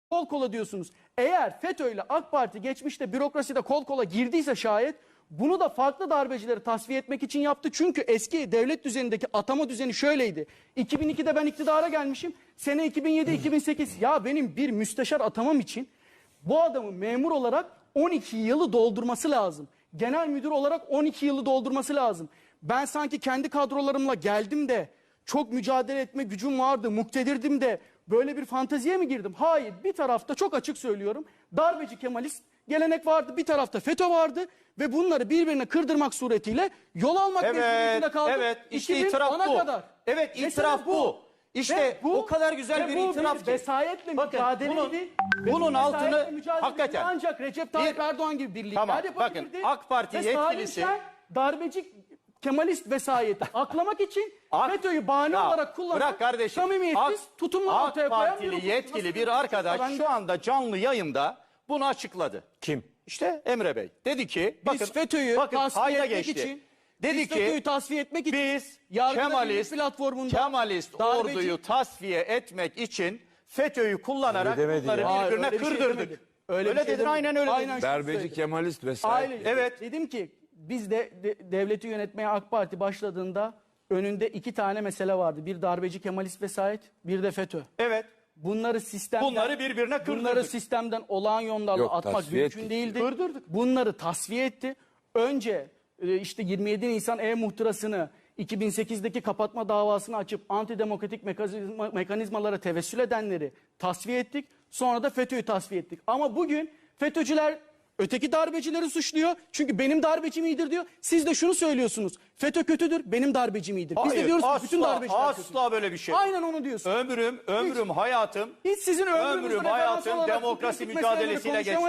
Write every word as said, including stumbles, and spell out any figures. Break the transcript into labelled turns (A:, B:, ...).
A: kol kola diyorsunuz. Eğer FETÖ ile AK Parti geçmişte bürokraside kol kola girdiyse şayet bunu da farklı darbecileri tasfiye etmek için yaptı. Çünkü eski devlet düzenindeki atama düzeni şöyleydi. iki bin ikide ben iktidara gelmişim. Sene iki bin yedi iki bin sekiz. Ya benim bir müsteşar atamam için bu adamın memur olarak on iki yılı doldurması lazım. Genel müdür olarak on iki yılı doldurması lazım. Ben sanki kendi kadrolarımla geldim de çok mücadele etme gücüm vardı, muktedirdim de böyle bir fanteziye mi girdim? Hayır, bir tarafta çok açık söylüyorum darbeci Kemalist gelenek vardı, bir tarafta FETÖ vardı ve bunları birbirine kırdırmak suretiyle yol almak
B: Evet,
A: mecburiyetinde kaldım.
B: evet, işte
A: iki bin
B: itiraf
A: ona
B: bu.
A: Kadar.
B: Evet,
A: Mesela
B: itiraf bu. İşte
A: Ve bu
B: o kadar güzel
A: ve
B: bir
A: bu
B: itiraf ki.
A: vesayetle
B: Bakın,
A: mücadeleydi.
B: bunun-
A: Ve
B: bunun
A: bu vesayetle
B: altını
A: mücadeleydi.
B: hakikaten
A: Ancak Recep Tayyip
B: bir-
A: Erdoğan gibi birlikler
B: Tamam,
A: yapabilirdi.
B: bakın, AK Parti
A: Ve
B: yetkilisi-
A: Salim Şen darbeci Kemalist vesayeti aklamak için
B: AK-
A: FETÖ'yü bahane
B: Ya,
A: olarak kullanan
B: bırak kardeşim.
A: samimiyetsiz
B: AK-
A: tutumlar
B: AK
A: ortaya koyan
B: Partili
A: bir
B: yetkili bir
A: Ben
B: arkadaş
A: de-
B: şu anda canlı yayında bunu açıkladı.
C: Kim?
B: İşte Emre Bey. Dedi ki bakın,
A: Biz FETÖ'yü
B: bakın,
A: tasfiye
B: kayda
A: etmek
B: geçti.
A: için
B: Dedi
A: biz
B: ki
A: FETÖ'yü tasfiye etmek için
B: biz
A: Yargıda
B: Kemalist,
A: Birlik platformunda
B: Kemalist
A: darbeci-
B: orduyu tasfiye etmek için FETÖ'yü kullanarak
C: Öyle demedi
B: bunları
C: ya.
A: Hayır,
B: birbirine
A: öyle bir şey
B: kırdırdık.
A: demedim.
B: Öyle,
A: Öyle bir şey
B: dedin,
A: demedim.
B: aynen öyle
A: Aynen
B: dedin.
A: şunu
C: Darbeci
A: söyledim.
C: Kemalist vesaire.
A: Aile,
B: Evet.
A: Dedim ki biz de, de devleti yönetmeye AK Parti başladığında önünde iki tane mesele vardı. Bir darbeci Kemalist vesayet, bir de FETÖ.
B: Evet.
A: Bunları sistemden
B: Bunları birbirine kırdırdık.
A: Bunları sistemden olağan yollarla
C: Yok,
A: atmak
C: tasfiye
A: mümkün
C: ettik.
A: değildi.
B: Kırdırdık.
A: Bunları tasfiye etti. Önce e, işte yirmi yedi Nisan e-muhtırasını iki bin sekizdeki kapatma davasını açıp antidemokratik mekanizma, mekanizmalara tevessül edenleri tasfiye ettik. Sonra da FETÖ'yü tasfiye ettik. Ama bugün FETÖ'cüler öteki darbecileri suçluyor. Çünkü benim darbecim iyidir diyor. Siz de şunu söylüyorsunuz. FETÖ kötüdür, benim darbecim iyidir. Biz de
B: Hayır,
A: diyoruz ki
B: asla,
A: bütün darbeciler kötü.
B: asla böyle bir şey.
A: Aynen onu diyorsun.
B: Ömrüm, ömrüm, hayatım,
A: Hiç sizin ömrünüzü
B: ömrüm,
A: referans
B: hayatım
A: alarak
B: demokrasi
A: bu kritik meseleleri
B: mücadelesiyle geçti.
A: konuşamayız.